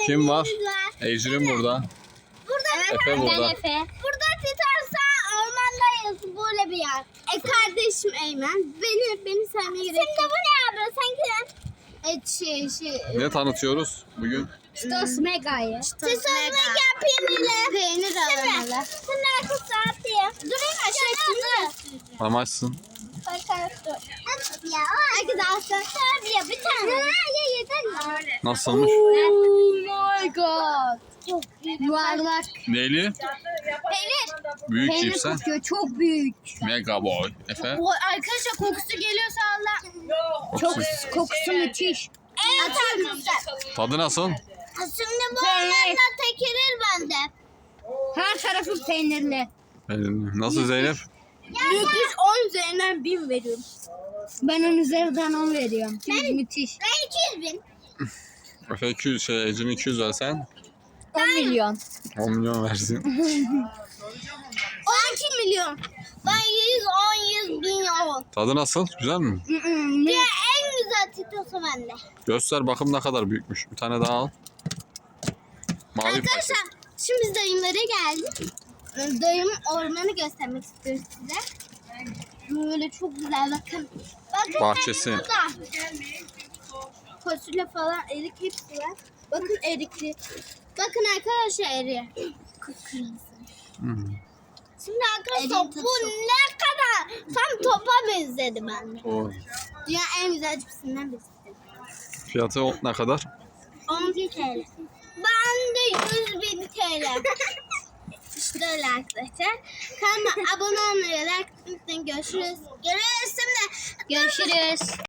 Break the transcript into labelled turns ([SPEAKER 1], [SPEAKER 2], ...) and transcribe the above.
[SPEAKER 1] Kim var? Ecrin burada. Efe burada.
[SPEAKER 2] Ben Efe. Burada Titarsa ormandayız. Böyle bir yer. Kardeşim Eymen. Beni sevmeye gerek yok. Şimdi bu ne abi? Sanki
[SPEAKER 1] Ne tanıtıyoruz bugün?
[SPEAKER 2] Cheetos Mega'yı. Cheetos Mega peynirli. Peynir aromalı. Şimdi arkası atayım. Durun aşağı.
[SPEAKER 1] Amaçsın.
[SPEAKER 2] Bakalım dur. Ya arkadaşlar tabii bir tane. Ya yeter ya.
[SPEAKER 1] Nasılmış?
[SPEAKER 2] Oh my god. Çok büyük. Yuvarlak.
[SPEAKER 1] Neyli?
[SPEAKER 2] Peynir.
[SPEAKER 1] Büyük
[SPEAKER 2] Peynir
[SPEAKER 1] cipsen.
[SPEAKER 2] kokuyor. Çok büyük.
[SPEAKER 1] Mega boy. Efe.
[SPEAKER 2] Arkadaşlar kokusu geliyorsa Allah. Çok kokusu müthiş. Evet arkadaşlar.
[SPEAKER 1] Tadı nasıl?
[SPEAKER 2] Şimdi bu ormanda tekirir bende. Her tarafı peynirli.
[SPEAKER 1] Nasıl Zeynep?
[SPEAKER 2] Müthiş 10 üzerinden 1000 veriyorum. Ben 10 üzerinden 10 veriyorum. Çünkü müthiş. Ben 200 bin.
[SPEAKER 1] Efe 200 Ecrin 200 versen
[SPEAKER 2] 10 milyon.
[SPEAKER 1] 10 milyon versin.
[SPEAKER 2] 12 milyon. Ben 110 milyon.
[SPEAKER 1] Tadı nasıl? Güzel mi?
[SPEAKER 2] Ya en güzel titosu bende.
[SPEAKER 1] Göster bakım ne kadar büyükmüş. Bir tane daha al. Mavi
[SPEAKER 2] Arkadaşlar şimdi biz dayımlara geldik. Dayım ormanı göstermek istiyoruz size. Böyle çok güzel bakın. Bakın
[SPEAKER 1] Bahçesi.
[SPEAKER 2] burada. Fasulye falan erik hepsi var. Bakın erikli. Bakın arkadaşlar eriği. Kıpkırmızı. Şimdi arkadaşlar bu ne kadar tam topa benzedi bende.
[SPEAKER 1] O.
[SPEAKER 2] Dünya en güzel cipsinden birisi.
[SPEAKER 1] Fiyatı ne kadar?
[SPEAKER 2] 10 TL. Ben de 100.000 TL. İşte öyle arkadaşlar. Kanalıma abone olmayı, like atmayı unutmayın. Görüşürüz. Görüşürüz.